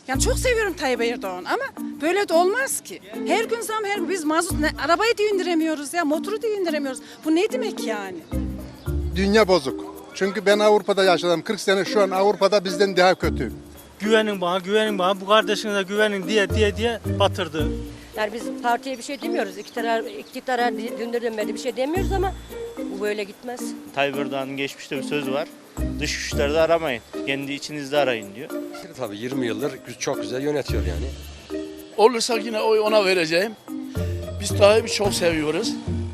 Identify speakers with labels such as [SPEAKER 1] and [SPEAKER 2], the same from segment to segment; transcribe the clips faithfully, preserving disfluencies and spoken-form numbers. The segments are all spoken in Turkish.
[SPEAKER 1] Yani çok seviyorum Tayyip Erdoğan ama böyle de olmaz ki. Her gün zam, her gün biz mazot, ne, arabayı da indiremiyoruz ya, motoru da indiremiyoruz. Bu ne demek yani?
[SPEAKER 2] Dünya bozuk. Çünkü ben Avrupa'da yaşadım kırk sene, şu an Avrupa'da bizden daha kötü.
[SPEAKER 3] Güvenin bana, güvenin bana, bu kardeşinize güvenin diye diye diye batırdı.
[SPEAKER 4] Yani biz partiye bir şey demiyoruz. İktidara, iktidara dündür dönmedi bir şey demiyoruz ama bu böyle gitmez.
[SPEAKER 5] Tayyip Erdoğan'ın geçmişte bir sözü var. Dış güçlerde aramayın, kendi içinizde arayın diyor.
[SPEAKER 6] Tabii yirmi yıldır çok güzel yönetiyor yani.
[SPEAKER 7] Olursa yine oy ona vereceğim. Biz Tayyip'i çok seviyoruz.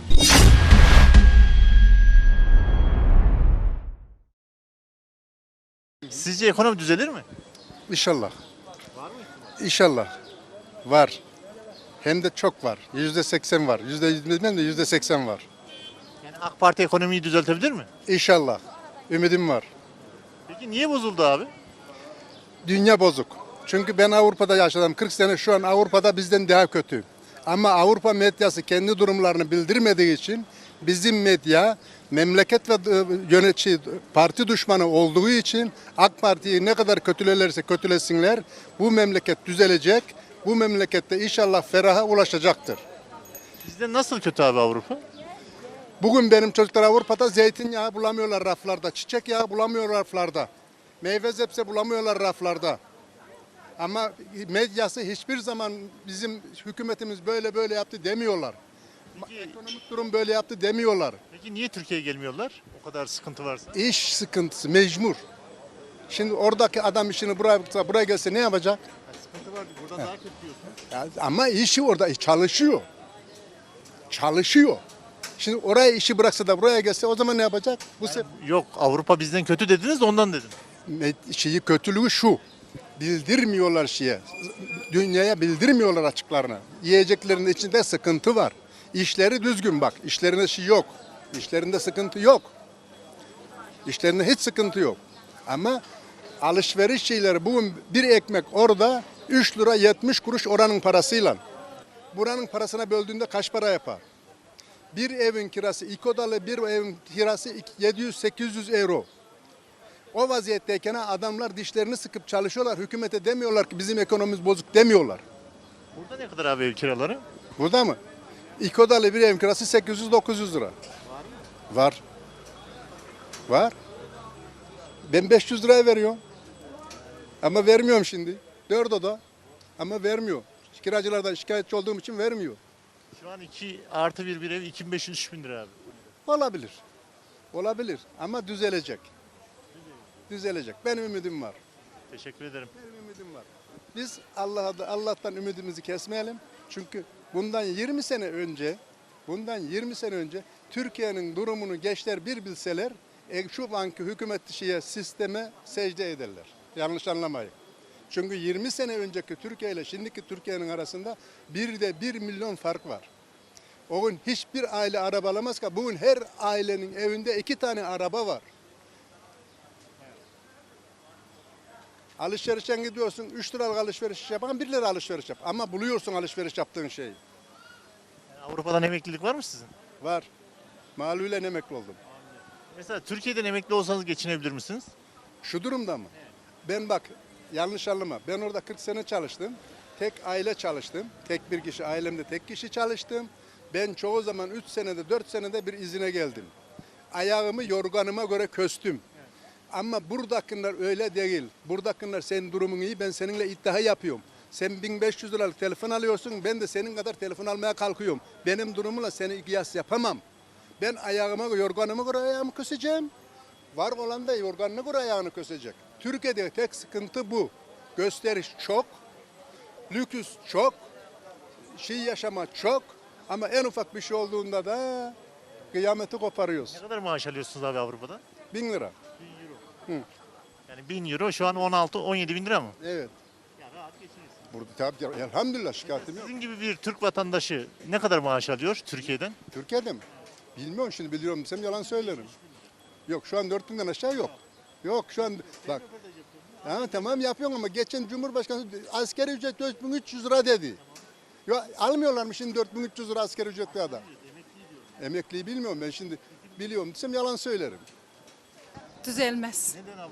[SPEAKER 8] Sizce ekonomi düzelir mi?
[SPEAKER 2] İnşallah. İnşallah. Var. Hem de çok var. Yüzde seksen var. Yüzde yüz bilmem de yüzde seksen var.
[SPEAKER 8] Yani AK Parti ekonomiyi düzeltebilir mi?
[SPEAKER 2] İnşallah. Ümidim var.
[SPEAKER 8] Peki niye bozuldu abi?
[SPEAKER 2] Dünya bozuk. Çünkü ben Avrupa'da yaşadım kırk sene, şu an Avrupa'da bizden daha kötü. Ama Avrupa medyası kendi durumlarını bildirmediği için bizim medya memleket ve yönetici parti düşmanı olduğu için AK Parti'yi ne kadar kötülerlerse kötülesinler bu memleket düzelecek. Bu memlekette inşallah feraha ulaşacaktır.
[SPEAKER 8] Bizde nasıl kötü abi Avrupa?
[SPEAKER 2] Bugün benim çocuklar Avrupa'da zeytinyağı bulamıyorlar raflarda, çiçek yağı bulamıyorlar raflarda, meyve sebze bulamıyorlar raflarda. Ama medyası hiçbir zaman bizim hükümetimiz böyle böyle yaptı demiyorlar.
[SPEAKER 8] Peki,
[SPEAKER 2] Ekonomik durum böyle yaptı demiyorlar.
[SPEAKER 8] peki niye Türkiye'ye gelmiyorlar? O kadar sıkıntı varsa.
[SPEAKER 2] İş sıkıntısı mecbur. Şimdi oradaki adam işini buraya buraya gelse ne yapacak?
[SPEAKER 8] Sıkıntı var. Burada daha kötü diyorsun.
[SPEAKER 2] Ya ama işi orada çalışıyor. Çalışıyor. Şimdi oraya işi bıraksa da buraya gelse o zaman ne yapacak? Bu sefer
[SPEAKER 8] Yok, Avrupa bizden kötü dediniz de ondan dedim.
[SPEAKER 2] şeyi kötülüğü şu. Bildirmiyorlar şeye. Dünyaya bildirmiyorlar açıklarını. Yiyeceklerin içinde sıkıntı var. İşleri düzgün bak. İşlerinde şey yok. İşlerinde sıkıntı yok. İşlerinde hiç sıkıntı yok. Ama alışveriş şeyleri, bugün bir ekmek orada üç lira yetmiş kuruş oranın parasıyla. Buranın parasına böldüğünde kaç para yapar? Bir evin kirası, iki odalı bir evin kirası yedi yüz sekiz yüz euro. O vaziyetteyken adamlar dişlerini sıkıp çalışıyorlar. Hükümete demiyorlar ki bizim ekonomimiz bozuk demiyorlar.
[SPEAKER 8] Burada ne kadar abi ev kiraları?
[SPEAKER 2] Burada mı? İki odalı bir evin kirası sekiz yüz dokuz yüz lira. Var mı? Var. Var. Ben beş yüz liraya veriyorum. Ama vermiyorum şimdi. Dört oda. Ama vermiyor. Kiracılardan şikayetçi olduğum için vermiyor.
[SPEAKER 8] Şu an iki artı bir bir ev iki bin beş yüz üç bin lira abi.
[SPEAKER 2] Olabilir. Olabilir. Ama düzelecek. Düzelecek. Benim ümidim var.
[SPEAKER 8] Teşekkür ederim.
[SPEAKER 2] Benim ümidim var. Biz Allah'a Allah'tan ümidimizi kesmeyelim. Çünkü bundan yirmi sene önce, bundan yirmi sene önce Türkiye'nin durumunu gençler bir bilseler, e, şu anki hükümet şeye, sisteme secde ederler. Yanlış anlamayın. Çünkü yirmi sene önceki Türkiye ile şimdiki Türkiye'nin arasında bir de bir milyon fark var. O gün hiçbir aile araba alamaz ki. Bugün her ailenin evinde iki tane araba var. Alışverişe gidiyorsun, üç liralık alışveriş yapan bir lira alışveriş yap. Ama buluyorsun alışveriş yaptığın şeyi.
[SPEAKER 8] Yani Avrupa'dan emeklilik var mı sizin?
[SPEAKER 2] Var. Maluyla emekli oldum.
[SPEAKER 8] Mesela Türkiye'den emekli olsanız geçinebilir misiniz?
[SPEAKER 2] Şu durumda mı? Ben bak, yanlış anlama. Ben orada kırk sene çalıştım. Tek aile çalıştım. Tek bir kişi, ailemde tek kişi çalıştım. Ben çoğu zaman üç senede, dört senede bir izine geldim. Ayağımı yorganıma göre köstüm. Ama buradakiler öyle değil. Buradakiler senin durumun iyi, ben seninle iddia yapıyorum. Sen bin beş yüz liralık telefon alıyorsun, ben de senin kadar telefon almaya kalkıyorum. Benim durumumla seni kıyas yapamam. Ben ayağıma, yorganıma göre ayağımı köseceğim. Var olan da yorganına göre ayağını kösecek. Türkiye'de tek sıkıntı bu. Gösteriş çok, lüküs çok, şey yaşama çok. Ama en ufak bir şey olduğunda da kıyameti koparıyoruz.
[SPEAKER 8] Ne kadar maaş alıyorsunuz abi Avrupa'da?
[SPEAKER 2] Bin lira.
[SPEAKER 8] Yani bin euro şu an on altı on yedi bin lira mı?
[SPEAKER 2] Evet.
[SPEAKER 8] Yani rahat geçiniyorsunuz.
[SPEAKER 2] Burada tabii elhamdülillah şikayetim yok.
[SPEAKER 8] Sizin gibi bir Türk vatandaşı ne kadar maaş alıyor Türkiye'den?
[SPEAKER 2] Türkiye'de mi? Bilmiyorum, şimdi biliyorum desem yalan söylerim. Yok, şu an dört binden aşağı yok. Yok şu an bak. Ha, tamam yapıyorum ama geçen Cumhurbaşkanı asgari ücret dört bin üç yüz lira dedi. Yok, almıyorlar mı şimdi dört bin üç yüz lira asgari ücretli adam? Emekliyi bilmiyorum ben şimdi, biliyorum desem yalan söylerim.
[SPEAKER 1] Düzelmez.
[SPEAKER 8] Neden abla?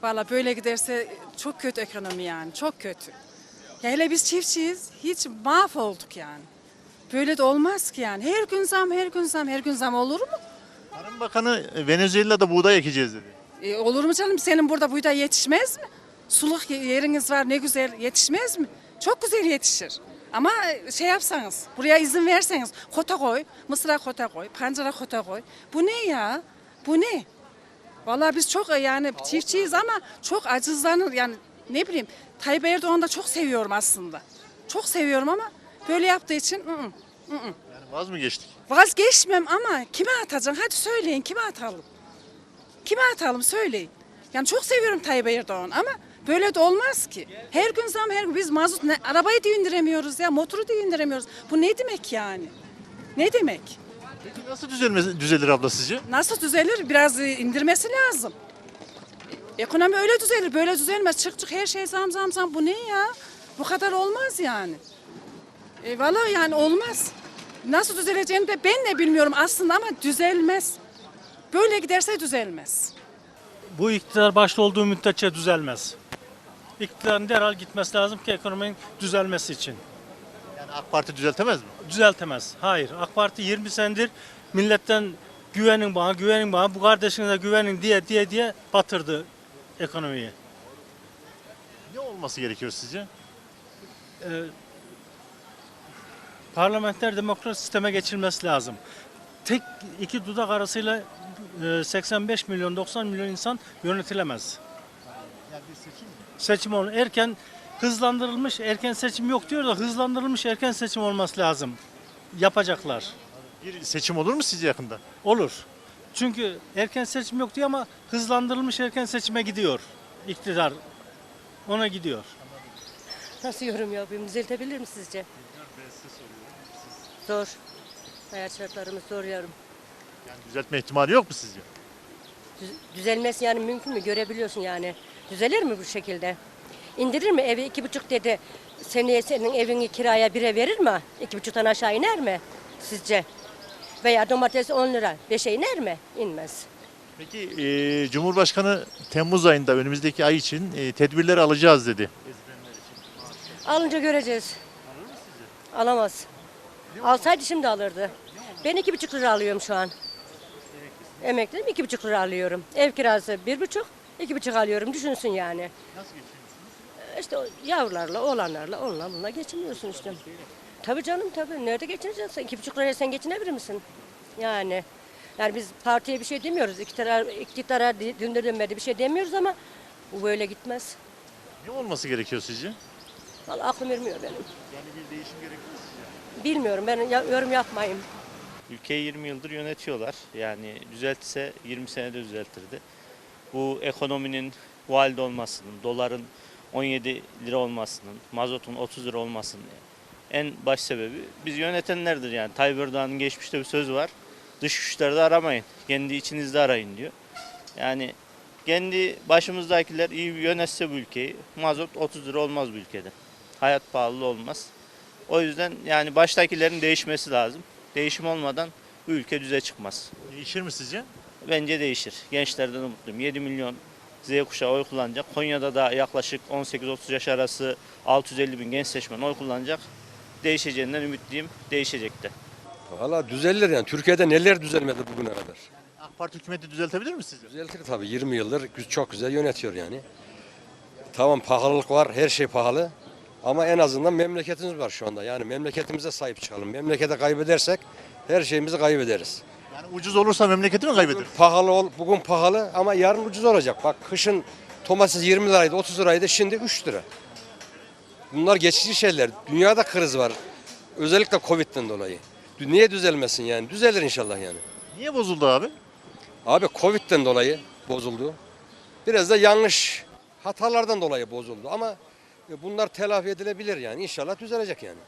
[SPEAKER 1] Valla böyle giderse çok kötü ekonomi yani, çok kötü. Ya hele biz çiftçiyiz, hiç mahvolduk yani. Böyle de olmaz ki yani. Her gün zam, her gün zam, her gün zam olur mu?
[SPEAKER 8] Tarım Bakanı e, Venezuela'da buğday ekeceğiz dedi.
[SPEAKER 1] E, olur mu canım? Senin burada buğday yetişmez mi? Suluk yeriniz var, ne güzel, yetişmez mi? Çok güzel yetişir. Ama şey yapsanız, buraya izin verseniz, kota koy, mısıra kota koy, pancara kota koy. Bu ne ya? Bu ne? Vallahi biz çok yani çiftçiyiz ama çok acızlanır yani ne bileyim Tayyip Erdoğan'ı da çok seviyorum aslında. Çok seviyorum ama böyle yaptığı için ı -ı, ı -ı.
[SPEAKER 8] Yani vaz mı geçtik?
[SPEAKER 1] Vazgeçmem ama kime atacaksın? Hadi söyleyin kime atalım? Kime atalım söyleyin. Yani çok seviyorum Tayyip Erdoğan ama böyle de olmaz ki. Her gün zam her gün biz mazot ne, arabayı da indiremiyoruz ya motoru da indiremiyoruz. Bu ne demek yani? Ne demek?
[SPEAKER 8] Peki nasıl düzelmez, düzelir abla sizce?
[SPEAKER 1] Nasıl düzelir? Biraz indirmesi lazım. Ekonomi öyle düzelir, böyle düzelmez. Çık çık her şey zam zam zam. Bu ne ya? Bu kadar olmaz yani. E, vallahi yani olmaz. Nasıl düzeleceğini de ben de bilmiyorum aslında ama düzelmez. Böyle giderse düzelmez.
[SPEAKER 3] Bu iktidar başta olduğu müddetçe düzelmez. İktidarın derhal gitmesi lazım ki ekonominin düzelmesi için.
[SPEAKER 8] Yani AK Parti düzeltemez mi?
[SPEAKER 3] Düzeltemez. Hayır. AK Parti yirmi senedir milletten güvenin bana, güvenin bana, bu kardeşinize güvenin diye diye diye batırdı ekonomiyi.
[SPEAKER 8] Ne olması gerekiyor sizce?
[SPEAKER 3] Ee, parlamenter demokrasi sisteme geçilmesi lazım. Tek iki dudak arasıyla e, seksen beş milyon doksan milyon insan yönetilemez.
[SPEAKER 8] Yani bir seçim mi?
[SPEAKER 3] Seçim ol erken hızlandırılmış erken seçim yok diyor da hızlandırılmış erken seçim olması lazım. Yapacaklar.
[SPEAKER 8] Bir seçim olur mu sizce yakında?
[SPEAKER 3] Olur. Çünkü erken seçim yok diyor ama hızlandırılmış erken seçime gidiyor iktidar. Ona gidiyor.
[SPEAKER 4] Nasıl yorum yapayım? Düzeltebilir mi sizce? Zor. Hayat şartlarımız zor yorum.
[SPEAKER 8] Yani düzeltme ihtimali yok mu sizce?
[SPEAKER 4] Düz- Düzelmesi yani mümkün mü? Görebiliyorsun yani. Düzelir mi bu şekilde? İndirir mi? Evi iki buçuk dedi. Seneye senin evini kiraya bire verir mi? İki buçuktan aşağı iner mi? Sizce? Veya domates on lira. Beşe iner mi? İnmez.
[SPEAKER 8] Peki e, Cumhurbaşkanı Temmuz ayında önümüzdeki ay için e, tedbirler alacağız dedi.
[SPEAKER 4] Alınca göreceğiz. Alamaz. Alsaydı şimdi alırdı. Ben iki buçuk lira alıyorum şu an. Emekliyim iki buçuk lira alıyorum. Ev kirası bir buçuk, iki buçuk alıyorum. Düşünsün yani.
[SPEAKER 8] Nasıl geçiniyorsunuz?
[SPEAKER 4] İşte o yavrularla, oğlanlarla, onunla bununla geçiniyorsun işte. Tabii canım tabii. Nerede geçineceksin? İki buçuk liraya sen geçinebilir misin? Yani. Yani biz partiye bir şey demiyoruz. İktidar, iktidara dündür dönmedi bir şey demiyoruz ama bu böyle gitmez.
[SPEAKER 8] Ne olması gerekiyor sizce?
[SPEAKER 4] Vallahi aklım ermiyor benim.
[SPEAKER 8] Yani bir değişim gerekiyor sizce?
[SPEAKER 4] Bilmiyorum ben ya- yorum yapmayayım.
[SPEAKER 5] Ülkeyi yirmi yıldır yönetiyorlar. Yani düzeltse yirmi senede düzeltirdi. Bu ekonominin bu halde olmasının, doların on yedi lira olmasının, mazotun otuz lira olmasının en baş sebebi biz yönetenlerdir yani. Tayyip Erdoğan'ın geçmişte bir sözü var. Dış güçlerde aramayın, kendi içinizde arayın diyor. Yani kendi başımızdakiler iyi yönetse bu ülkeyi, mazot otuz lira olmaz bu ülkede. Hayat pahalı olmaz. O yüzden yani baştakilerin değişmesi lazım. Değişim olmadan bu ülke düze çıkmaz.
[SPEAKER 8] Değişir mi sizce?
[SPEAKER 5] Bence değişir. Gençlerden umutluyum. yedi milyon Z kuşağı oy kullanacak. Konya'da da yaklaşık on sekiz otuz yaş arası altı yüz elli bin genç seçmen oy kullanacak. Değişeceğinden ümitliyim. Değişecek de.
[SPEAKER 6] Valla düzelir yani. Türkiye'de neler düzelmedi bugüne kadar.
[SPEAKER 8] AK Parti hükümeti düzeltebilir mi sizce?
[SPEAKER 6] Düzeltir tabii. yirmi yıldır gü- çok güzel yönetiyor yani. Tamam pahalılık var. Her şey pahalı. Ama en azından memleketimiz var şu anda. Yani memleketimize sahip çıkalım. Memlekete kaybedersek her şeyimizi kaybederiz.
[SPEAKER 8] Yani ucuz olursa memleketi mi kaybeder?
[SPEAKER 6] Pahalı ol, bugün pahalı ama yarın ucuz olacak. Bak kışın domates yirmi liraydı, otuz liraydı, şimdi üç lira. Bunlar geçici şeyler. Dünyada kriz var. Özellikle Covid'den dolayı. Niye düzelmesin yani? Düzelir inşallah yani.
[SPEAKER 8] Niye bozuldu abi?
[SPEAKER 6] Abi Covid'den dolayı bozuldu. Biraz da yanlış hatalardan dolayı bozuldu ama bunlar telafi edilebilir yani. İnşallah düzelecek yani.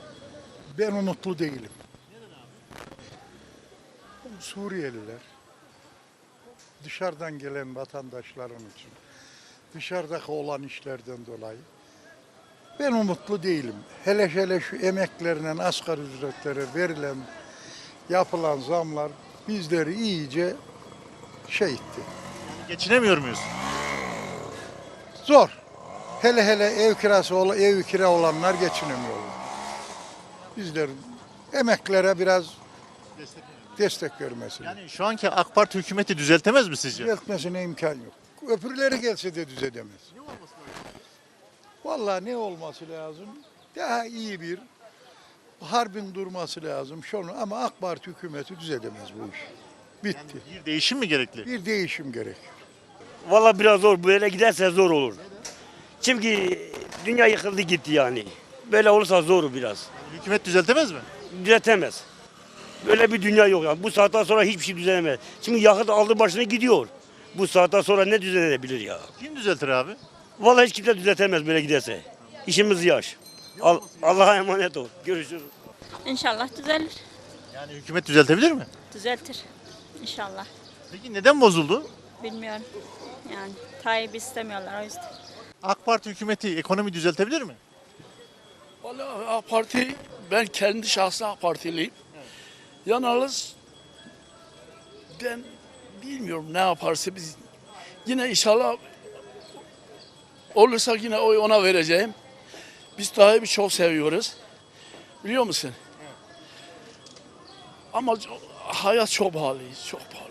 [SPEAKER 9] Ben umutlu değilim. Suriyeliler, dışarıdan gelen vatandaşların için, dışarıdaki olan işlerden dolayı ben umutlu değilim. Hele hele şu emeklerinin asgari ücretlere verilen, yapılan zamlar bizleri iyice şey etti.
[SPEAKER 8] Geçinemiyor muyuz?
[SPEAKER 9] Zor. Hele hele ev kirası ol- ev kira olanlar geçinemiyorlar. Bizler emeklere biraz destek vermesi.
[SPEAKER 8] Yani şu anki AK Parti hükümeti düzeltemez mi sizce?
[SPEAKER 9] Düzeltmesine imkan yok. Öbürleri gelse de düzelemez. Vallahi ne olması lazım? Daha iyi bir harbin durması lazım. Şunu ama AK Parti hükümeti düzelemez bu iş. Bitti.
[SPEAKER 8] Bir değişim mi gerekli?
[SPEAKER 9] Bir değişim gerek.
[SPEAKER 10] Valla biraz zor. Böyle giderse zor olur. Çünkü dünya yıkıldı gitti yani. Böyle olursa zor biraz.
[SPEAKER 8] Hükümet düzeltemez mi?
[SPEAKER 10] Düzeltemez. Böyle bir dünya yok yani. Bu saatten sonra hiçbir şey düzelemez. Şimdi yakıt aldı başına gidiyor. Bu saatten sonra ne düzelebilir ya?
[SPEAKER 8] Kim düzeltir abi?
[SPEAKER 10] Vallahi hiç kimse düzeltemez böyle giderse. İşimiz yaş. Al- Allah'a emanet ol. Görüşürüz.
[SPEAKER 11] İnşallah düzelir.
[SPEAKER 8] Yani hükümet düzeltebilir mi?
[SPEAKER 11] Düzeltir. İnşallah.
[SPEAKER 8] Peki neden bozuldu?
[SPEAKER 11] Bilmiyorum. Yani Tayyip'i istemiyorlar o yüzden.
[SPEAKER 8] AK Parti hükümeti ekonomi düzeltebilir mi?
[SPEAKER 7] Vallahi AK Parti, ben kendi şahsi AK Partiliyim. Yalnız ben bilmiyorum ne yaparsa biz yine inşallah olursa yine oy ona vereceğim. Biz Tayyip'i çok seviyoruz. Biliyor musun? Ama hayat çok pahalı, çok pahalı.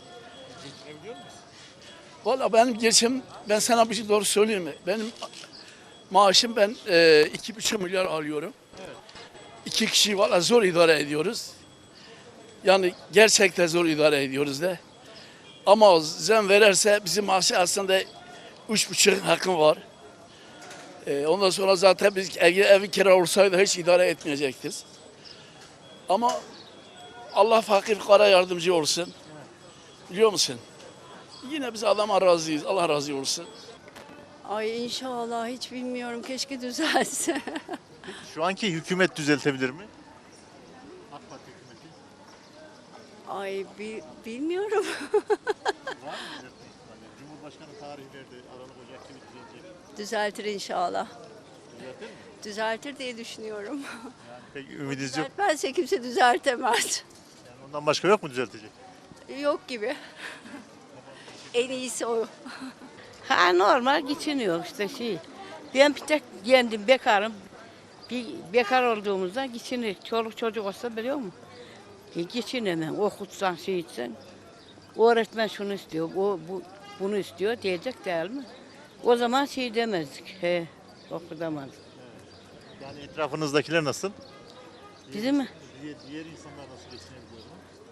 [SPEAKER 7] Valla benim geçim, ben sana bir şey doğru söyleyeyim mi? Benim maaşım ben e, iki buçuk milyar alıyorum. İki kişi valla zor idare ediyoruz. Yani gerçekten zor idare ediyoruz de. Ama zam verirse bizim maaşı aslında üç buçuk hakkım var. E, ondan sonra zaten biz eğer evi kira olsaydı hiç idare etmeyecektiz. Ama Allah fakir kara yardımcı olsun. Biliyor musun? Yine biz adama razıyız. Allah razı olsun.
[SPEAKER 12] Ay inşallah hiç bilmiyorum. Keşke düzelse.
[SPEAKER 8] Şu anki hükümet düzeltebilir mi? AK Parti hükümeti.
[SPEAKER 12] Ay bi- bilmiyorum.
[SPEAKER 8] Var mı düzeltme ihtimali? Cumhurbaşkanı tarihi verdi. Aralık Ocak gibi düzelecek.
[SPEAKER 12] Düzeltir inşallah.
[SPEAKER 8] Düzeltir mi?
[SPEAKER 12] Düzeltir diye düşünüyorum.
[SPEAKER 8] Yani pek ümidiniz yok.
[SPEAKER 12] Düzeltmezse kimse düzeltemez.
[SPEAKER 8] Yani ondan başka yok mu düzeltecek?
[SPEAKER 12] Yok gibi. En iyisi o.
[SPEAKER 13] Ha normal geçiniyor işte şey. Ben bir tek kendim bekarım. Bir bekar olduğumuzda geçinir. Çoluk çocuk olsa biliyor musun? E, geçinemem. Okutsan şey etsen. O öğretmen şunu istiyor, o bu, bunu istiyor diyecek değil mi? O zaman şey demezdik. He, okutamazdık.
[SPEAKER 8] Yani etrafınızdakiler nasıl?
[SPEAKER 13] Bizim mi?
[SPEAKER 8] Diğer, diğer insanlar nasıl geçinebiliyor?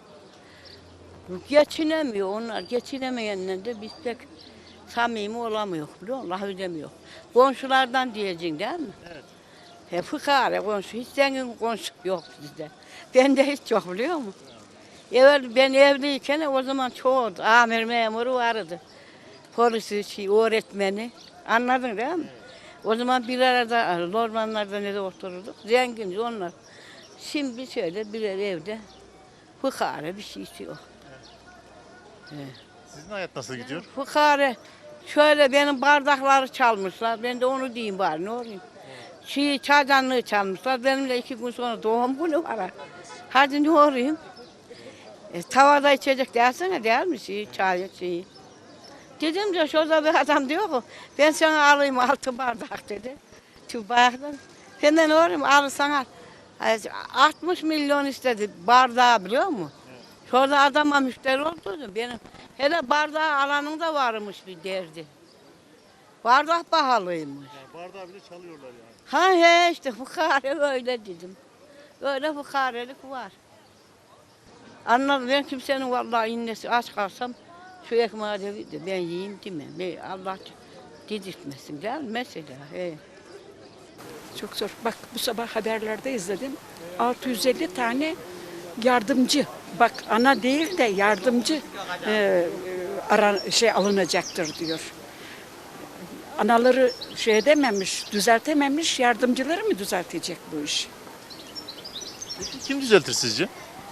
[SPEAKER 13] Geçinemiyor onlar. Geçinemeyenler de biz pek samimi olamıyor. Biliyor musun? Laf edemiyor. Komşulardan diyeceksin değil mi?
[SPEAKER 8] Evet.
[SPEAKER 13] He, fıkara komşu. Hiç zengin komşu yok bizde. Bende hiç yok biliyor musun? Evvel ben evliyken o zaman çoğu amir memuru vardı. Polisi, şey, öğretmeni. Anladın değil mi? O zaman bir arada ormanlarda ne de otururduk. Zenginiz onlar. Şimdi şöyle birer evde fıkara bir şey yok.
[SPEAKER 8] Sizin hayat nasıl gidiyor?
[SPEAKER 13] Fıkara şöyle benim bardakları çalmışlar. Ben de onu diyeyim bari ne olayım. Şey çaydanlığı çalmışlar. Benim de iki gün sonra doğum günü var. Hadi ne olayım? E, tavada içecek dersene değil mi şey çay şeyi? Dedim de şurada bir adam diyor ki ben sana alayım altı bardak dedi. Şu bardaktan. Ben de ne olayım alırsan al. altmış milyon istedi bardağı biliyor musun? Şurada adama müşteri oldu benim. Hele bardağı alanın da varmış bir derdi. Bardak pahalıymış.
[SPEAKER 8] Yani bardağı bile çalıyorlar yani.
[SPEAKER 13] Ha he işte fukare öyle dedim. Öyle fukarelik var. Anladım ben kimsenin vallahi innesi aç kalsam şu ekmeği de ben yiyeyim demem. Ben Allah dedirtmesin değil mi? Mesela. He.
[SPEAKER 14] Çok zor. Bak bu sabah haberlerde izledim. altı yüz elli tane yardımcı. Bak ana değil de yardımcı e, ara, şey alınacaktır diyor. Anaları şey edememiş, düzeltememiş, yardımcıları mı düzeltecek bu iş?
[SPEAKER 8] Peki kim düzeltir sizce?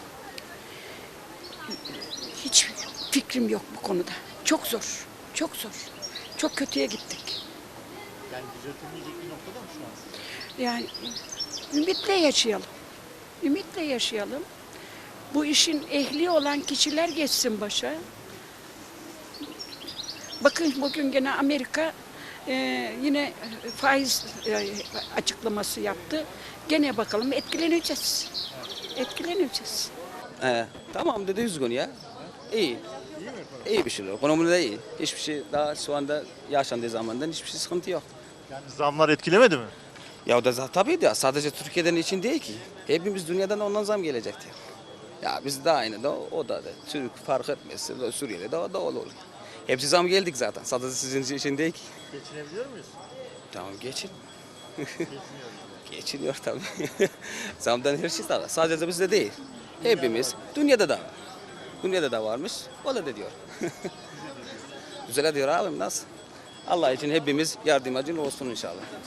[SPEAKER 14] Hiç fikrim yok bu konuda. Çok zor, çok zor. Çok kötüye gittik.
[SPEAKER 8] Yani düzeltilmeyecek bir noktada mı şu an?
[SPEAKER 14] Yani ümitle yaşayalım. Ümitle yaşayalım. Bu işin ehli olan kişiler geçsin başa. Bakın bugün gene Amerika e, yine faiz e, açıklaması yaptı. Gene bakalım etkileneceğiz. Etkileneceğiz.
[SPEAKER 15] He, tamam dedi üzgün ya. İyi. İyi bir şey. Ekonomide de iyi. Hiçbir şey daha şu anda yaşandığı zamandan hiçbir şey sıkıntı yok.
[SPEAKER 8] Yani zamlar etkilemedi mi?
[SPEAKER 15] Ya o da za- tabii de sadece Türkiye'den için değil ki. Hepimiz dünyadan ondan zam gelecekti. Ya biz de aynı da o da da Türk fark etmez. Suriye'de de o da olur. Hepsi zam geldik zaten. Sadece sizin için değil ki.
[SPEAKER 8] Geçinebiliyor muyuz?
[SPEAKER 15] Tamam geçin. Geçiniyor tabii. Zamdan her şey var. Sadece bizde değil. Hepimiz dünyada da var. Dünyada da varmış. O da diyor. Güzel diyor abim nasıl? Allah için hepimiz yardımcı olsun inşallah.